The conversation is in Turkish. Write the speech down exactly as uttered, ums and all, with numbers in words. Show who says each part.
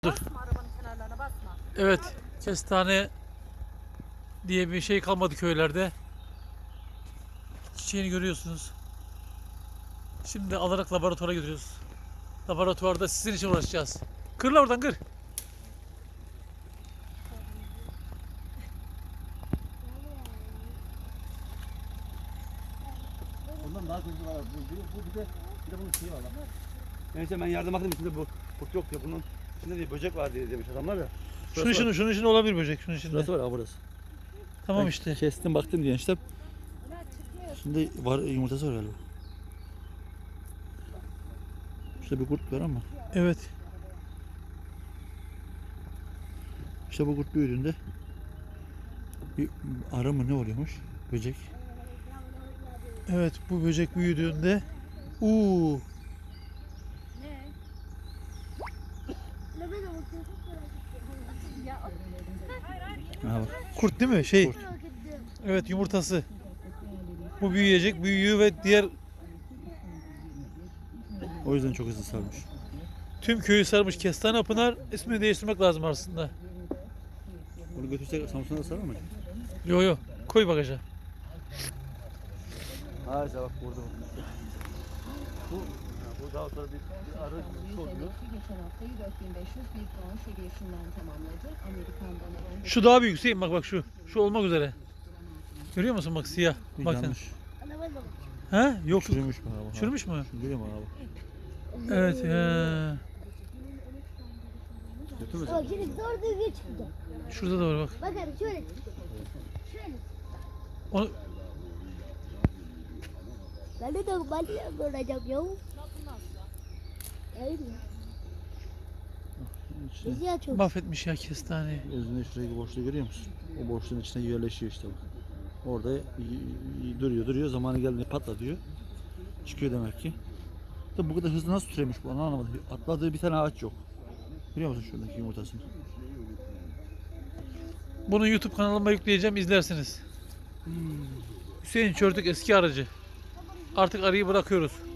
Speaker 1: Basma arabanın kenarlarına basma.
Speaker 2: Evet, kestane diye bir şey kalmadı köylerde. Çiçeğini görüyorsunuz. Şimdi alarak laboratuvara götürüyoruz. Laboratuvarda sizin için uğraşacağız. Kır la oradan kır.
Speaker 3: Bundan daha kötü var. Bu, bu bir de bir de bunun şeyi var lan. Neyse ben yardım ettim içinde bu kurt yok diyor. Bunun içinde bir böcek var diye demiş adamlar da.
Speaker 2: Şunun içinde, şunun içinde olabilir böcek. Şunun içinde.
Speaker 3: Burası var ha burası.
Speaker 2: Tamam
Speaker 3: Ben
Speaker 2: işte.
Speaker 3: Kestim baktım diye işte. Şimdi var yumurtası var galiba. İşte bir kurt var ama.
Speaker 2: Evet.
Speaker 3: İşte bu kurt büyüdüğünde bir arı mı ne oluyormuş? Böcek.
Speaker 2: Evet, bu böcek büyüdüğünde uuu
Speaker 3: Aha bak.
Speaker 2: kurt değil mi? Şey.
Speaker 3: Kurt.
Speaker 2: Evet, yumurtası. Bu büyüyecek, büyüyor ve diğer
Speaker 3: O yüzden çok hızlı sarmış.
Speaker 2: tüm köyü sarmış. Kestane Pınar ismini değiştirmek lazım aslında.
Speaker 3: Bunu götürsek Samsun'a sarar mı?
Speaker 2: Yo yo, koy bagaja.
Speaker 3: Ha işte bak burada. Bu bu daha sonra bir, bir arı şu oluyor.
Speaker 4: Geçen hafta dört bin beş yüz bir puan seviyesinden tamamladı. Amerikan'dan on beş
Speaker 2: Şu daha büyük Hüseyin, bak bak şu. Şu olmak üzere. Görüyor musun bak siyah.
Speaker 3: Bir
Speaker 2: Bak sen.
Speaker 3: yanlış.
Speaker 2: He? Yok.
Speaker 3: Çürümüş mü abi?
Speaker 2: Çürümüş mü?
Speaker 3: Şu görüyor musun abi?
Speaker 2: Evet. He.
Speaker 3: Götürmesin.
Speaker 5: Bak şimdi zor düzgün çıktı.
Speaker 2: Şurada da var bak.
Speaker 5: Bakın şöyle çıktı. Şöyle.
Speaker 2: Onu,
Speaker 5: Ben de normalde göreceğim ya. Hayır ya.
Speaker 3: İşte
Speaker 5: Bizi açıyor.
Speaker 2: mahvetmiş ya kestaneyi.
Speaker 3: özünde şuradaki boşluğu görüyor musun? O boşluğun içine yerleşiyor işte bak. Orada y- y- duruyor duruyor zamanı geldiğinde patlatıyor. Çıkıyor demek ki. Da bu kadar hızlı nasıl türemiş bu onu anlamadım. Atladığı bir tane ağaç yok. Biliyor musun şuradaki yumurtasını?
Speaker 2: Bunu YouTube kanalıma yükleyeceğim, izlersiniz. Hüseyin Çörtük eski aracı. Artık arıyı bırakıyoruz.